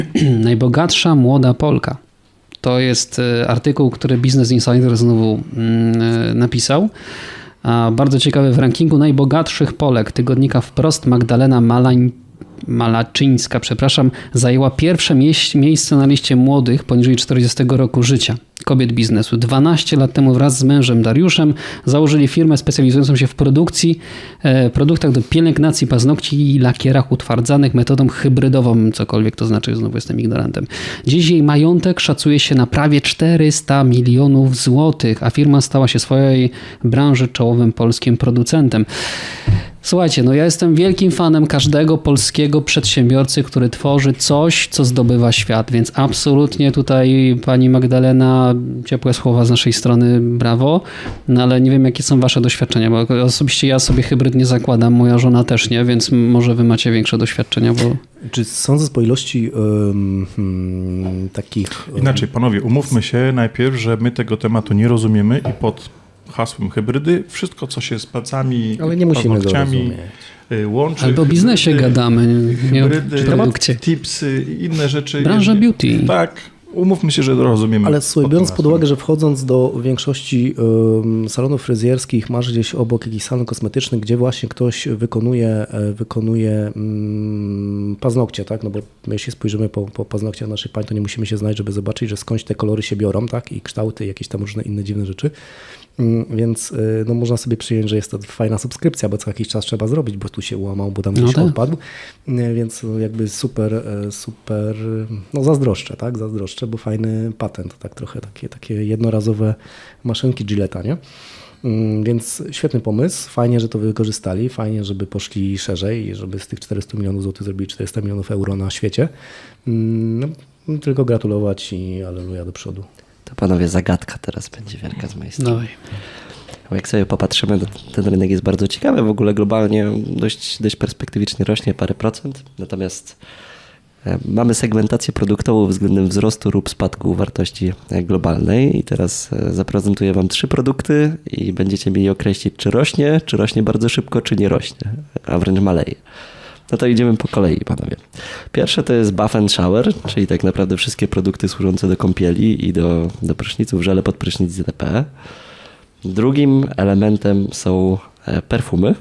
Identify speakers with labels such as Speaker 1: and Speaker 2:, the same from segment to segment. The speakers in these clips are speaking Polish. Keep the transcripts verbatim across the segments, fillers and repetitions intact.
Speaker 1: Najbogatsza młoda Polka. To jest artykuł, który Business Insider znowu napisał. A bardzo ciekawy, w rankingu najbogatszych Polek tygodnika Wprost Magdalena Malań Malaczyńska, przepraszam, zajęła pierwsze mie- miejsce na liście młodych poniżej czterdziestego roku życia kobiet biznesu. dwanaście lat temu wraz z mężem Dariuszem założyli firmę specjalizującą się w produkcji, e, produktach do pielęgnacji paznokci i lakierach utwardzanych metodą hybrydową, cokolwiek to znaczy, znowu jestem ignorantem. Dziś jej majątek szacuje się na prawie czterysta milionów złotych, a firma stała się w swojej branży czołowym polskim producentem. Słuchajcie, no ja jestem wielkim fanem każdego polskiego przedsiębiorcy, który tworzy coś, co zdobywa świat, więc absolutnie tutaj pani Magdalena, ciepłe słowa z naszej strony, brawo, no ale nie wiem, jakie są wasze doświadczenia, bo osobiście ja sobie hybryd nie zakładam, moja żona też nie, więc może wy macie większe doświadczenia, bo...
Speaker 2: Czy sądzę po ilości um, um, takich...
Speaker 3: Inaczej, panowie, umówmy się najpierw, że my tego tematu nie rozumiemy i pod hasłem hybrydy, wszystko co się z palcami,
Speaker 2: ale nie musimy
Speaker 3: paznokciami łączy.
Speaker 1: Albo o biznesie hybrydy, gadamy, nie
Speaker 3: hybrydy,
Speaker 1: o produkcie.
Speaker 3: Tipsy i inne rzeczy.
Speaker 1: Branża beauty.
Speaker 3: Tak, umówmy się, że rozumiemy.
Speaker 2: Ale słuchaj, biorąc pod uwagę, że wchodząc do większości um, salonów fryzjerskich, masz gdzieś obok jakiś salon kosmetyczny, gdzie właśnie ktoś wykonuje, wykonuje um, paznokcie, tak? No bo my jeśli spojrzymy po, po paznokciach naszych pań, to nie musimy się znać, żeby zobaczyć, że skądś te kolory się biorą, tak? I kształty, jakieś tam różne inne dziwne rzeczy. Więc no, można sobie przyjąć, że jest to fajna subskrypcja, bo co jakiś czas trzeba zrobić, bo tu się łamał, bo tam gdzieś no tak. odpadł. Więc jakby super, super, no zazdroszczę, tak? Zazdroszczę, bo fajny patent, tak trochę takie, takie jednorazowe maszynki Gillette'a, nie? Więc świetny pomysł, fajnie, że to wykorzystali, fajnie, żeby poszli szerzej i żeby z tych czterystu milionów złotych zrobili czterysta milionów euro na świecie. No, tylko gratulować i alleluja do przodu.
Speaker 4: To panowie, zagadka teraz będzie wielka z mojej strony.
Speaker 1: No.
Speaker 4: Jak sobie popatrzymy, ten rynek jest bardzo ciekawy. W ogóle globalnie dość, dość perspektywicznie rośnie parę procent. Natomiast mamy segmentację produktową względem wzrostu lub spadku wartości globalnej. I teraz zaprezentuję wam trzy produkty i będziecie mieli określić, czy rośnie, czy rośnie bardzo szybko, czy nie rośnie, a wręcz maleje. No to idziemy po kolei, panowie. Pierwsze to jest bath and shower, czyli tak naprawdę wszystkie produkty służące do kąpieli i do, do pryszniców, żele pod prysznic itp. Drugim elementem są perfumy,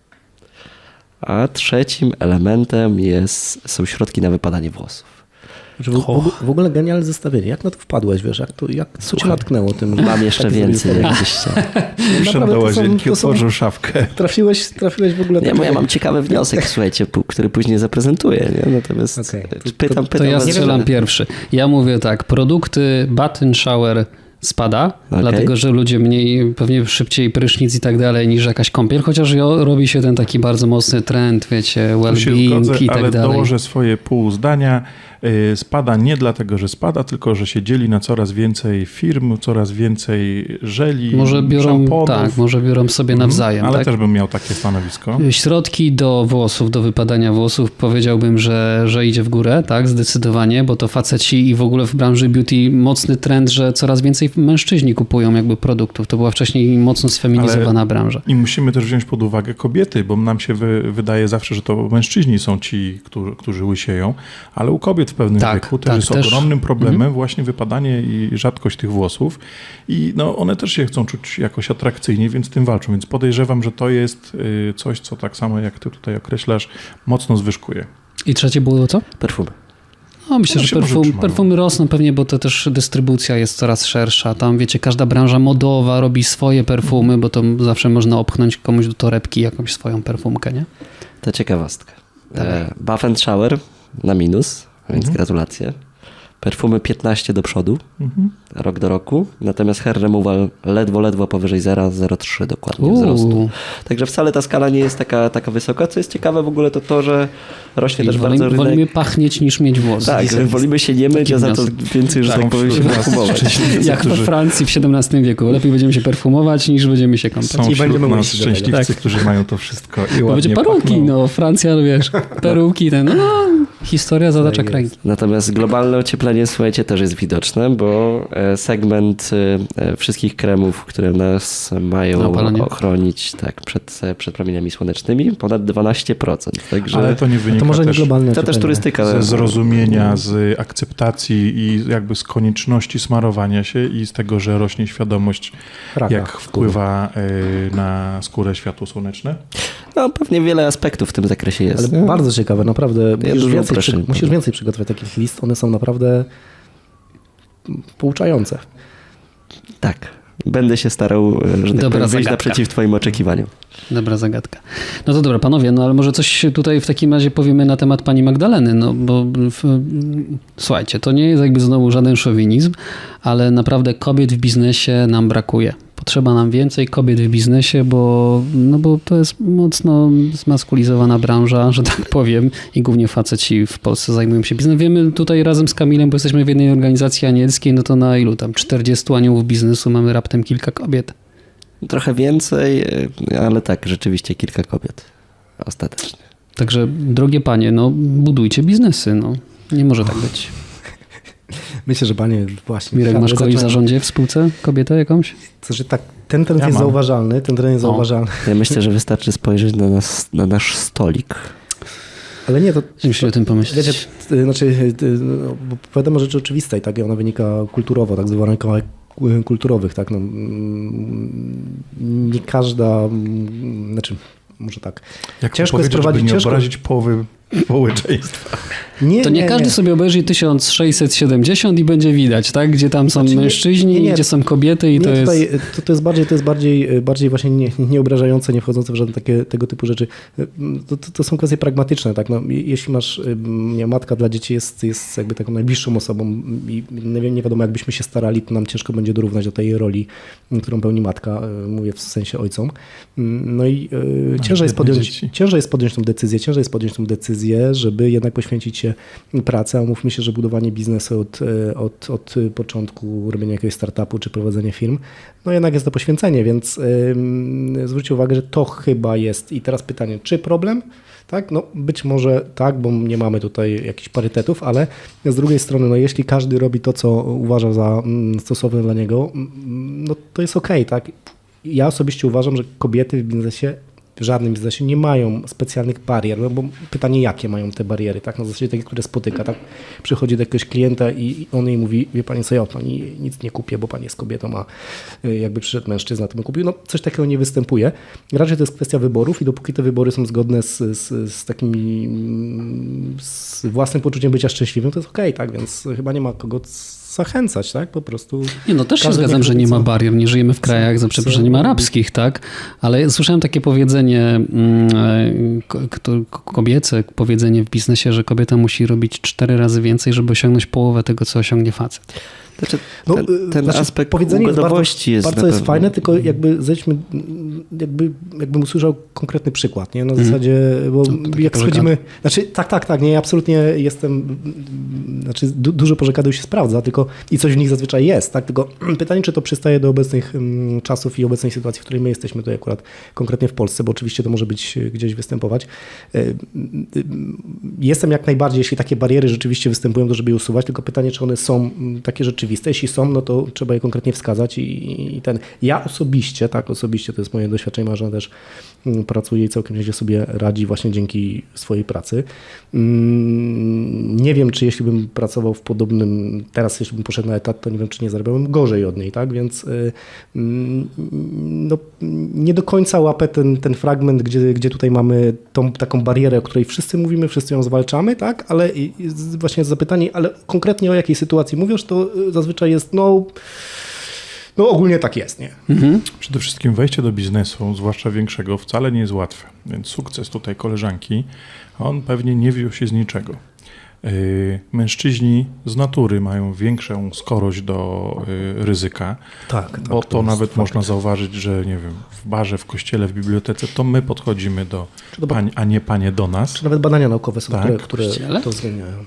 Speaker 4: a trzecim elementem jest, są środki na wypadanie włosów.
Speaker 2: W, w, w ogóle genialne zestawienie. Jak na to wpadłeś, wiesz? Jak to, jak co cię natknęło tym?
Speaker 4: Mam jeszcze tak więcej, jak gdzieś
Speaker 3: Wszedł do łazienki, otworzył szafkę.
Speaker 2: Trafiłeś, trafiłeś w ogóle...
Speaker 4: Nie, bo ja mam ciekawy wniosek, słuchajcie, który później zaprezentuję. Nie? Natomiast okay. pytam, pytam...
Speaker 1: To ja
Speaker 4: was,
Speaker 1: strzelam
Speaker 4: że...
Speaker 1: pierwszy. Ja mówię tak, produkty bath and shower spada, okay. dlatego że ludzie mniej, pewnie szybciej prysznic i tak dalej niż jakaś kąpiel, chociaż robi się ten taki bardzo mocny trend, wiecie, well-being i tak
Speaker 3: ale
Speaker 1: dalej.
Speaker 3: Ale dołożę swoje pół zdania. Spada nie dlatego, że spada, tylko że się dzieli na coraz więcej firm, coraz więcej żeli,
Speaker 1: może biorą,
Speaker 3: szamponów.
Speaker 1: Tak, może biorą sobie nawzajem.
Speaker 3: Ale
Speaker 1: tak?
Speaker 3: też bym miał takie stanowisko.
Speaker 1: Środki do włosów, do wypadania włosów, powiedziałbym, że, że idzie w górę, tak, zdecydowanie, bo to faceci i w ogóle w branży beauty mocny trend, że coraz więcej mężczyźni kupują jakby produktów. To była wcześniej mocno sfeminizowana ale branża.
Speaker 3: I musimy też wziąć pod uwagę kobiety, bo nam się wy, wydaje zawsze, że to mężczyźni są ci, którzy, którzy łysieją, ale u kobiet w pewnym tak, wieku też tak, jest też. ogromnym problemem mhm. właśnie wypadanie i rzadkość tych włosów i no, one też się chcą czuć jakoś atrakcyjnie, więc z tym walczą, więc podejrzewam, że to jest coś, co tak samo jak ty tutaj określasz, mocno zwyżkuje.
Speaker 1: I trzecie było co?
Speaker 4: Perfumy.
Speaker 1: No, myślę, że perfum, perfumy rosną pewnie, bo to też dystrybucja jest coraz szersza. Tam, wiecie, każda branża modowa robi swoje perfumy, bo to zawsze można opchnąć komuś do torebki jakąś swoją perfumkę, nie?
Speaker 4: To ciekawostka. E, bath and shower na minus, więc mhm. gratulacje. Perfumy piętnaście do przodu, mhm. rok do roku. Natomiast hair removal ledwo, ledwo powyżej zero przecinek zero trzy dokładnie Uuu. wzrostu. Także wcale ta skala nie jest taka, taka wysoka. Co jest ciekawe w ogóle to to, że rośnie I też
Speaker 1: wolimy,
Speaker 4: bardzo rynek.
Speaker 1: Wolimy pachnieć niż mieć włosy.
Speaker 4: Tak, że wolimy się nie myć, a za to więcej, że tak, tak powiem, się perfumować.
Speaker 1: Jak we Francji w siedemnastym wieku. Lepiej będziemy się perfumować niż będziemy się kąpać.
Speaker 3: Są
Speaker 1: I
Speaker 3: będziemy nas szczęśliwcy, tak. którzy mają to wszystko i
Speaker 1: bo
Speaker 3: ładnie
Speaker 1: będzie peruki,
Speaker 3: pachną.
Speaker 1: no Francja, wiesz, peruki, ten, no Historia zatacza
Speaker 2: Tak
Speaker 1: kręgi.
Speaker 4: Natomiast globalne ocieplenie, słuchajcie, też jest widoczne, bo e, segment e, wszystkich kremów, które nas mają
Speaker 1: Opalenie.
Speaker 4: ochronić tak, przed, e, przed promieniami słonecznymi, ponad dwanaście procent. Także
Speaker 3: Ale to nie wynika
Speaker 2: To może nie
Speaker 3: też
Speaker 2: globalne
Speaker 4: to też
Speaker 2: ocieplenie.
Speaker 4: turystyka.
Speaker 3: ze zrozumienia, z akceptacji i jakby z konieczności smarowania się i z tego, że rośnie świadomość,
Speaker 2: Raka
Speaker 3: jak wpływa y, na skórę światło słoneczne.
Speaker 4: No pewnie wiele aspektów w tym zakresie jest.
Speaker 2: Ale
Speaker 4: nie?
Speaker 2: bardzo ciekawe, naprawdę. Musisz,
Speaker 4: dużo
Speaker 2: więcej,
Speaker 4: uproszczeń
Speaker 2: przy, musisz
Speaker 4: powiem.
Speaker 2: więcej przygotować takich list. One są naprawdę pouczające.
Speaker 4: Tak. Będę się starał, e, że tak
Speaker 1: Dobra
Speaker 4: powiem, wyjść
Speaker 1: zagadka.
Speaker 4: naprzeciw twoim oczekiwaniom.
Speaker 1: Dobra zagadka. No to dobra, panowie, no ale może coś tutaj w takim razie powiemy na temat pani Magdaleny, no bo w, słuchajcie, to nie jest jakby znowu żaden szowinizm, ale naprawdę kobiet w biznesie nam brakuje. Potrzeba nam więcej kobiet w biznesie, bo, no bo to jest mocno zmaskulizowana branża, że tak powiem, i głównie faceci w Polsce zajmują się biznesem. Wiemy tutaj razem z Kamilem, bo jesteśmy w jednej organizacji anielskiej, no to na ilu tam czterdziestu aniołów biznesu mamy raptem kilka kobiet.
Speaker 4: Trochę więcej, e, ale tak, rzeczywiście kilka kobiet ostatecznie.
Speaker 1: Także, drogie panie, no budujcie biznesy, no. Nie może tak być.
Speaker 2: Myślę, że panie właśnie...
Speaker 1: Mirek, masz kogoś w
Speaker 2: zaczynają-
Speaker 1: zarządzie w spółce? Kobietę jakąś?
Speaker 2: To znaczy tak, ten trend
Speaker 3: Ja
Speaker 2: jest
Speaker 3: mam.
Speaker 2: zauważalny, ten trend jest
Speaker 1: O.
Speaker 2: zauważalny.
Speaker 4: Ja myślę, że wystarczy spojrzeć na, nas, na nasz stolik.
Speaker 2: Ale nie, to...
Speaker 1: Musisz o tym pomyśleć.
Speaker 2: Wiecie, t- znaczy, t- no, bo powiadamy rzeczy oczywiste i tak, i ona wynika kulturowo, tak z uwarunkowań kulturowych, tak, no, mm, nie każda, mm, znaczy, może tak,
Speaker 3: Jak
Speaker 2: ciężko
Speaker 3: ciężko
Speaker 2: jest
Speaker 3: powiedzieć, żeby
Speaker 2: prowadzić,
Speaker 3: nie
Speaker 2: ciężko,
Speaker 3: obrazić połowy społeczeństwa.
Speaker 2: nie,
Speaker 1: To nie, każdy sobie obejrzy tysiąc sześćset siedemdziesiąt i będzie widać, tak? Gdzie tam są
Speaker 2: Znaczy nie-
Speaker 1: mężczyźni,
Speaker 2: nie, nie.
Speaker 1: gdzie są kobiety i
Speaker 2: nie,
Speaker 1: to
Speaker 2: tutaj,
Speaker 1: jest...
Speaker 2: to, to jest bardziej, to jest bardziej, bardziej właśnie nie, nieobrażające, nie wchodzące w żadne takie, tego typu rzeczy. To, to, to są kwestie pragmatyczne, tak, no, jeśli masz, nie, matka dla dzieci jest, jest jakby taką najbliższą osobą i nie, wiem, nie wiadomo, jakbyśmy się starali, to nam ciężko będzie dorównać do tej roli, którą pełni matka, mówię w sensie ojcom. No i e, ciężej jest, podjąć,
Speaker 3: dzieci.
Speaker 2: ciężej jest podjąć tą decyzję, ciężej jest podjąć tą decyzję, żeby jednak poświęcić się pracy, a mówmy się, że budowanie biznesu od, od, od początku, robienie jakiegoś startupu czy prowadzenie firm, no jednak jest to poświęcenie, więc yy, zwróćcie uwagę, że to chyba jest. I teraz pytanie, czy problem? Tak, no być może tak, bo nie mamy tutaj jakichś parytetów, ale z drugiej strony, no jeśli każdy robi to, co uważa za mm, stosowne dla niego, mm, no to jest okej, tak? Ja osobiście uważam, że kobiety w biznesie w żadnym biznesie nie mają specjalnych barier, no bo pytanie, jakie mają te bariery, tak? Na zasadzie takie, które spotyka, tak? Przychodzi do jakiegoś klienta i on jej mówi, wie pani co, ja od pani nic nie kupię, bo pani jest kobietą, a jakby przyszedł mężczyzna, to bym kupił. No coś takiego nie występuje. Raczej to jest kwestia wyborów i dopóki te wybory są zgodne z, z, z takimi, z własnym poczuciem bycia szczęśliwym, to jest okej, tak? Więc chyba nie ma kogo zachęcać, tak? Po prostu...
Speaker 1: Nie, no też się
Speaker 2: każdy
Speaker 1: zgadzam,
Speaker 2: niech
Speaker 1: że
Speaker 2: robi
Speaker 1: nie ma
Speaker 2: co-
Speaker 1: barier, nie żyjemy w krajach za przeproszeniem arabskich, tak? Ale słyszałem takie powiedzenie mm, ko- ko- kobiece, powiedzenie w biznesie, że kobieta musi robić cztery razy więcej, żeby osiągnąć połowę tego, co osiągnie facet.
Speaker 4: Znaczy,
Speaker 2: No,
Speaker 4: ten, ten
Speaker 2: znaczy,
Speaker 4: aspekt
Speaker 2: powiedzenie jest
Speaker 4: ugodowości jest,
Speaker 2: bardzo,
Speaker 4: na
Speaker 2: bardzo jest
Speaker 4: pewno-
Speaker 2: fajne, tylko jakby zejdźmy, jakby, jakbym usłyszał konkretny przykład, nie? Na
Speaker 1: Mhm.
Speaker 2: zasadzie, bo
Speaker 1: takie
Speaker 2: jak
Speaker 1: pożekady.
Speaker 2: schodzimy, znaczy tak, tak, tak, nie, ja absolutnie jestem, znaczy du, dużo pożekadów się sprawdza, tylko i coś w nich zazwyczaj jest, tak, tylko pytanie, czy to przystaje do obecnych mm, czasów i obecnej sytuacji, w której my jesteśmy tutaj akurat konkretnie w Polsce, bo oczywiście to może być gdzieś występować. Y, y, y, Jestem jak najbardziej, jeśli takie bariery rzeczywiście występują, to żeby je usuwać, tylko pytanie, czy one są mm, takie rzeczywiste, jeśli są, no to trzeba je konkretnie wskazać i, i ten. Ja osobiście, tak, osobiście, to jest moje doświadczenie, Marzena też mm, pracuje i całkiem nieźle sobie radzi właśnie dzięki swojej pracy. Mm, Nie wiem, czy jeśli bym pracował w podobnym, teraz jeśli bym poszedł na etat, to nie wiem, czy nie zarabiałbym gorzej od niej, tak, więc y, mm, no, nie do końca łapę ten, ten fragment, gdzie, gdzie tutaj mamy tą taką barierę, o której wszyscy mówimy, wszyscy ją zwalczamy, tak, ale i- i z- właśnie zapytanie, ale konkretnie o jakiej sytuacji mówisz, to y, zazwyczaj jest, no, no ogólnie tak jest, nie?
Speaker 3: Przede wszystkim wejście do biznesu, zwłaszcza większego, wcale nie jest łatwe. Więc sukces tutaj koleżanki, on pewnie nie wziął się z niczego. Yy, Mężczyźni z natury mają większą skorość do yy, ryzyka,
Speaker 2: Tak, tak,
Speaker 3: bo
Speaker 2: to
Speaker 3: to
Speaker 2: jest
Speaker 3: nawet
Speaker 2: fakt.
Speaker 3: można zauważyć, że nie wiem, w barze, w kościele, w bibliotece, to my podchodzimy do
Speaker 2: do ba-
Speaker 3: pań, a nie panie do nas.
Speaker 2: Czy nawet badania naukowe są,
Speaker 3: Tak,
Speaker 2: które, które
Speaker 1: kościele?
Speaker 2: to uwzględniają.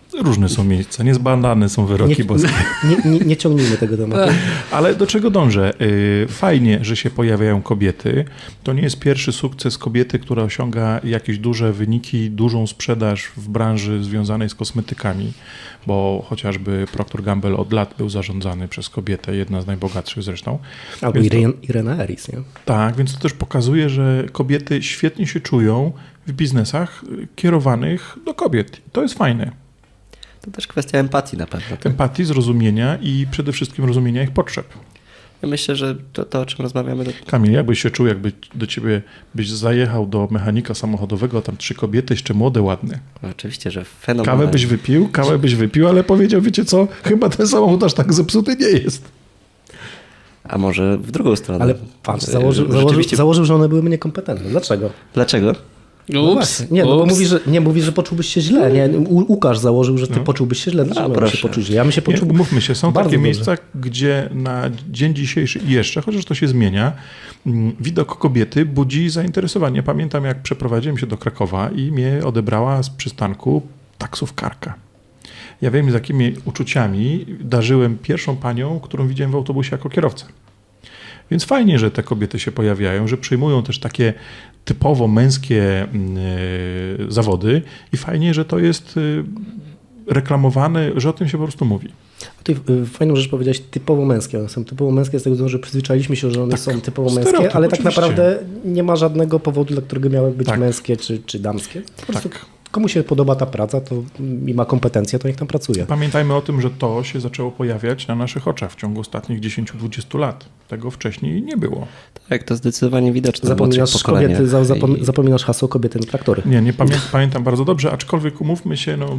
Speaker 3: Różne są miejsca, niezbadane są wyroki
Speaker 2: Nie,
Speaker 3: boskie.
Speaker 2: nie, nie, nie ciągnijmy tego tematu.
Speaker 3: Ale do czego dążę? Yy, Fajnie, że się pojawiają kobiety. To nie jest pierwszy sukces kobiety, która osiąga jakieś duże wyniki, dużą sprzedaż w branży związanej z kosmetykami, bo chociażby Procter Gamble od lat był zarządzany przez kobietę, jedna z najbogatszych zresztą.
Speaker 2: Albo
Speaker 3: Więc to-
Speaker 2: Irene, Irena Eris, nie?
Speaker 3: Tak, więc to też pokazuje, że kobiety świetnie się czują w biznesach kierowanych do kobiet. To jest fajne.
Speaker 4: To też kwestia empatii na pewno. Tak?
Speaker 3: Empatii, zrozumienia i przede wszystkim rozumienia ich potrzeb.
Speaker 4: Ja myślę, że to, to o czym rozmawiamy, to
Speaker 3: Kamil, jak byś się czuł, jakby do ciebie byś zajechał do mechanika samochodowego, a tam trzy kobiety, jeszcze młode, ładne.
Speaker 4: oczywiście, że fenomenalnie.
Speaker 3: Kawę byś wypił, kawę byś wypił, ale powiedział, wiecie co, chyba ten samochód aż tak zepsuty nie jest.
Speaker 4: A może w drugą stronę.
Speaker 2: Ale patrz,
Speaker 4: E,
Speaker 2: założył, założył,
Speaker 4: rzeczywiście-
Speaker 2: założył, że one byłyby niekompetentne. Dlaczego?
Speaker 4: Dlaczego?
Speaker 2: No
Speaker 1: Ups,
Speaker 2: właśnie. Nie, no bo
Speaker 1: ups.
Speaker 2: mówi, że, nie, mówi, że poczułbyś się źle. Nie? U, Łukasz założył, że ty poczułbyś się źle. Dlaczego
Speaker 4: A,
Speaker 2: miałem się
Speaker 4: proszę.
Speaker 2: poczuć źle? Ja bym się
Speaker 3: Nie,
Speaker 2: poczuł
Speaker 3: umówmy się, są
Speaker 2: bardzo
Speaker 3: takie
Speaker 2: dobrze.
Speaker 3: miejsca, gdzie na dzień dzisiejszy i jeszcze, chociaż to się zmienia, mm, widok kobiety budzi zainteresowanie. Pamiętam, jak przeprowadziłem się do Krakowa i mnie odebrała z przystanku taksówkarka. Ja wiem, z jakimi uczuciami darzyłem pierwszą panią, którą widziałem w autobusie jako kierowcę. Więc fajnie, że te kobiety się pojawiają, że przyjmują też takie typowo męskie mm, e, zawody i fajnie, że to jest e, reklamowane, że o tym się po prostu mówi.
Speaker 2: Ty y, fajną rzecz powiedziałeś, typowo męskie. One są typowo męskie z tego względu, że przyzwyczailiśmy się, że one
Speaker 3: Tak,
Speaker 2: są typowo
Speaker 3: stereotyp,
Speaker 2: męskie, ale tak
Speaker 3: oczywiście.
Speaker 2: naprawdę nie ma żadnego powodu, dla którego miały być
Speaker 3: Tak.
Speaker 2: męskie czy, czy damskie. Po prostu
Speaker 3: Tak.
Speaker 2: komu się podoba ta praca to i ma kompetencje, to niech tam pracuje.
Speaker 3: Pamiętajmy o tym, że to się zaczęło pojawiać na naszych oczach w ciągu ostatnich dziesięć do dwudziestu lat. Tego wcześniej nie było.
Speaker 4: Tak, to zdecydowanie widoczne w
Speaker 2: Zapominasz,
Speaker 4: młodszych pokoleniach.
Speaker 2: kobiety, za, zapom,
Speaker 4: I-
Speaker 2: zapominasz hasło kobiety na traktory.
Speaker 3: Nie, nie pamię pamiętam bardzo dobrze, aczkolwiek umówmy się, no,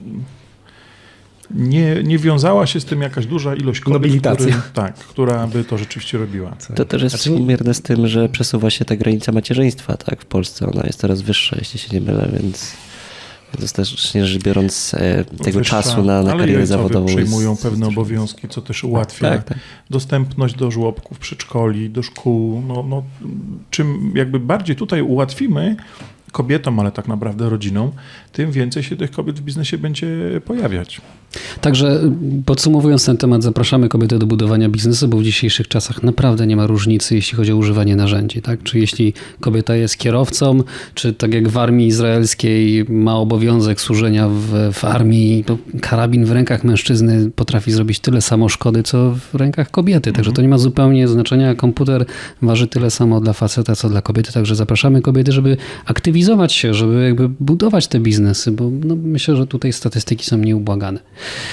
Speaker 3: nie, nie wiązała się z tym jakaś duża ilość kobiet,
Speaker 2: Nobilitacja.
Speaker 3: który, tak, która by to rzeczywiście robiła.
Speaker 4: To też jest
Speaker 2: Znaczy nie-
Speaker 4: współmierne z tym, że przesuwa się ta granica macierzyństwa, tak? W Polsce ona jest coraz wyższa, jeśli się nie mylę, więc dostatecznie rzecz biorąc e, tego
Speaker 3: Wyższa,
Speaker 4: czasu na, na
Speaker 3: ale
Speaker 4: karierę
Speaker 3: ojcowie
Speaker 4: zawodową.
Speaker 3: przejmują
Speaker 4: jest-
Speaker 3: pewne obowiązki, co też ułatwia
Speaker 4: Tak, tak.
Speaker 3: dostępność do żłobków, przedszkoli, do szkół. No, no, czym jakby bardziej tutaj ułatwimy kobietom, ale tak naprawdę rodzinom, tym więcej się tych kobiet w biznesie będzie pojawiać.
Speaker 1: Także podsumowując ten temat, zapraszamy kobiety do budowania biznesu, bo w dzisiejszych czasach naprawdę nie ma różnicy, jeśli chodzi o używanie narzędzi. Tak? Czy jeśli kobieta jest kierowcą, czy tak jak w armii izraelskiej ma obowiązek służenia w, w armii, to karabin w rękach mężczyzny potrafi zrobić tyle samo szkody, co w rękach kobiety. Także to nie ma zupełnie znaczenia. Komputer waży tyle samo dla faceta, co dla kobiety. Także zapraszamy kobiety, żeby aktywizować się, żeby jakby budować te biznesy, bo no, myślę, że tutaj statystyki są nieubłagane.